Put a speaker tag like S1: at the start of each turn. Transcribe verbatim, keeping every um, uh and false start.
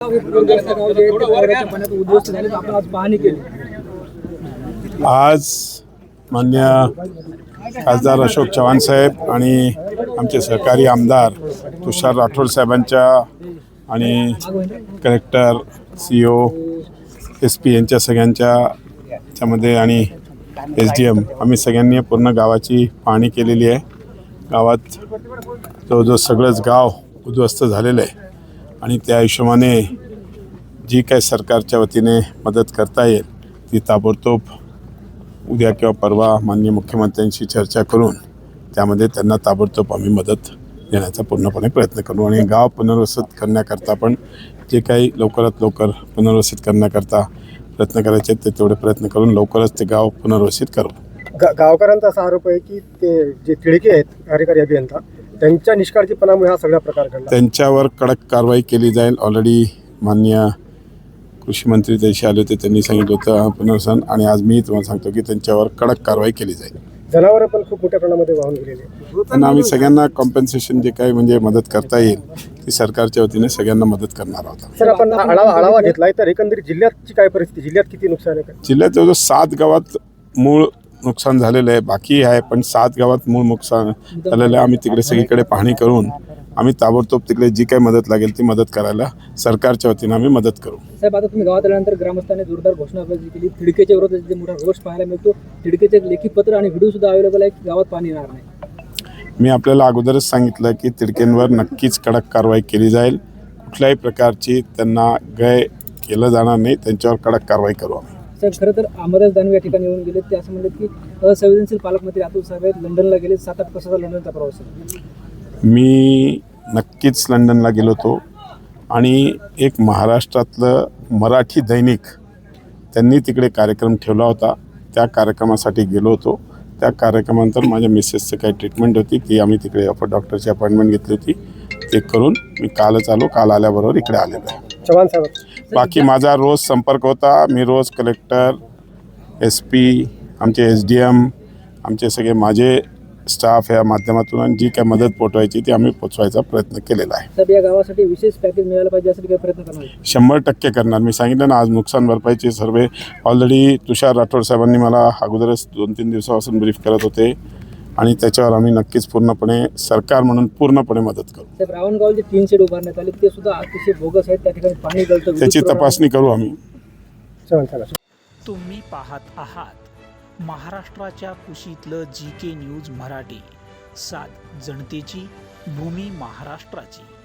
S1: आज मान्य खासदार अशोक चव्हाण साहेब आणि आमचे सहकारी आमदार तुषार राठोड साहेबांच्या आणि collector C O S P यांच्या सगळ्यांच्या त्यामध्ये आणि एस डी एम आम्ही सगळ्यांनी पूर्ण गावाची पाहणी केलेली आहे। गावात जवळजवळ सगळंच गाव उद्ध्वस्त झालेलं आहे आणि त्या हिशोबाने जी काही सरकारच्या वतीने मदत करता येईल ती ताबडतोब उद्या किंवा परवा माननीय मुख्यमंत्र्यांशी चर्चा करून त्यामध्ये त्यांना ताबडतोब आम्ही मदत देण्याचा पूर्णपणे प्रयत्न करू आणि गाव पुनर्वसित करण्याकरता पण जे काही लवकरात लवकर पुनर्वसित करण्याकरता प्रयत्न करायचे ते तेवढे प्रयत्न करून लवकरच ते गाव पुनर्वसित करू।
S2: गा गावकऱ्यांचा असा आरोप आहे की ते जे तिडके आहेत कार्यकारी अभियंता त्यांच्या निष्काळजीपणामुळे हा सगळा प्रकार घडला।
S1: त्यांच्यावर कडक कारवाई केली जाईल। ऑलरेडी माननीय कृषी मंत्री त्याशी आले होते, त्यांनी सांगितलं होतं पुनर्वसन आणि आज मी तुम्हाला सांगतो की त्यांच्यावर कडक कारवाई केली जाईल।
S2: जनावरं पण खूप मोठ्या प्रमाणामध्ये वाहून गेलेले आहेत।
S1: पण आम्ही सगळ्यांना कॉम्पेन्सेशन जे काही म्हणजे मदत करता येईल ती सरकारच्या वतीने सगळ्यांना मदत करणार आहोत।
S2: सर, आपण आढावा आढावा घेतलाय तर एकंदरीत जिल्ह्याची काय परिस्थिती, जिल्ह्यात किती नुकसान आहे?
S1: जिल्ह्यात जवळजवळ सात गावात मूळ नुकसान झालेलं आहे, बाकी आहे पण सात गावात मूळ नुकसान झालेलं आहे। आम्ही तिकडे सगळीकडे पाहणी करून आम्ही ताबडतोब तिकडे जी काही मदत लागेल ती मदत करायला सरकारच्या वतीने आम्ही मदत करू।
S3: साहेब, आता तुम्ही गावात आल्यानंतर ग्रामस्थांनी जोरदार घोषणाबाजी केली, तिडकेच्या विरोधात जे मोठा रोष पाहायला मिळतो, तिडकेचे लेखी पत्र आणि व्हिडिओ सुद्धा अवेलेबल आहे की गावात पाणी येणार नाही।
S1: मी आपल्याला अगोदरच सांगितलं की तिडकेंवर नक्कीच कडक कारवाई केली जाईल। कुठल्याही प्रकारची त्यांना गय केलं जाणार नाही, त्यांच्यावर कडक कारवाई करू आम्ही।
S3: साहेब, खरं तर अमरदास दानवे या ठिकाणी येऊन गेले, ते असं म्हणले की असंवेदनशील पालकमंत्री अतुल साहेब आहेत, लंडनला गेले, सात आठ तासाचा लंडनचा प्रवास आहे।
S1: मी नक्कीच लंडनला गेलो होतो आणि एक महाराष्ट्रातलं मराठी दैनिक त्यांनी तिकडे कार्यक्रम ठेवला होता, त्या कार्यक्रमासाठी गेलो होतो। त्या कार्यक्रमानंतर माझ्या मिसेसचं काही ट्रीटमेंट होती ती आम्ही तिकडे डॉक्टरची अपॉइंटमेंट घेतली होती, ते करून मी कालच आलो, काल आल्याबरोबर इकडे आलेलो आहे।
S2: चव्हाण साहेब,
S1: बाकी माझा रोज संपर्क होता, मी रोज कलेक्टर, एस पी, आमचे एस डी एम, आमचे सगळे माझे स्टाफ या माध्यमातून जी काय मदत पोचवायची ती आम्ही पोचवायचा प्रयत्न केलेला आहे।
S3: साहेब, या गावासाठी विशेष पॅकेज मिळालं पाहिजे यासाठी काय प्रयत्न करणार?
S1: शंभर टक्के करणार। मी सांगितलं ना, आज नुकसान भरपाईचे सर्वे ऑलरेडी तुषार राठोड साहेबांनी मला अगोदरच दोन तीन दिवसापासून ब्रीफ करत होते आणि त्याच्यावर आम्ही नक्कीच पूर्णपणे सरकार म्हणून पूर्णपणे मदत करू।
S3: साहेब, रावणगाव जे तीन शेड उभारण्यात आले ते सुद्धा अतिशय बोगस आहेत, त्या ठिकाणी पाणी गळतं,
S1: त्याची तपासणी करू आम्ही।
S2: चव्हाण साहेब,
S4: तुम्ही पाहत आहात महाराष्ट्राच्या कुशीतलं जी के न्यूज मराठी, सात जनतेची, भूमी महाराष्ट्राची।